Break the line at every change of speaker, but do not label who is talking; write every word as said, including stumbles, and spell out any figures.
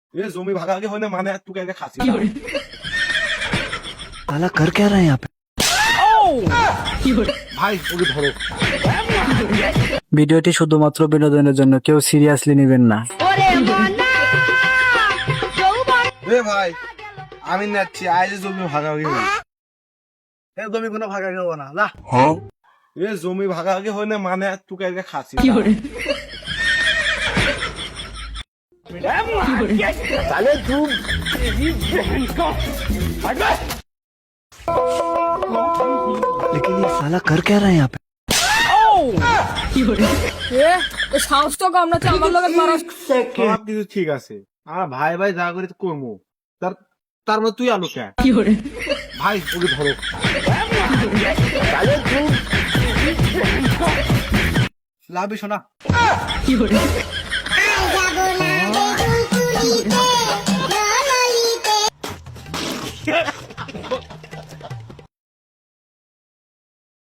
ये জমি ভাগাভাগি হয় না মানে তুই আগে খাসি
साला कर क्या रहे हैं यहाँ पे?
ভাই ওকে ধরো।
ভিডিওটি শুধুমাত্র বিনোদনের জন্য, কেউ সিরিয়াসলি নেবেন না।
এ ভাই আমি নাচ্ছি আজ জমি ভাগাভাগি হয়
এ জমি কোনো ভাগা খাবো না যা।
এ জমি ভাগাভাগি হয় না মানে তুই আগে খাসি
लेकिन ये साला कर क्या रहे हैं यहाँ पे?
সাহস তো কম না আমার লগে মারা
সব কিছু ঠিক আছে আর ভাই ভাই যা করে করবো তার তার মধ্যে তুই আলো কে ভাই ওকে ধরো।
লাভ শোনা
কি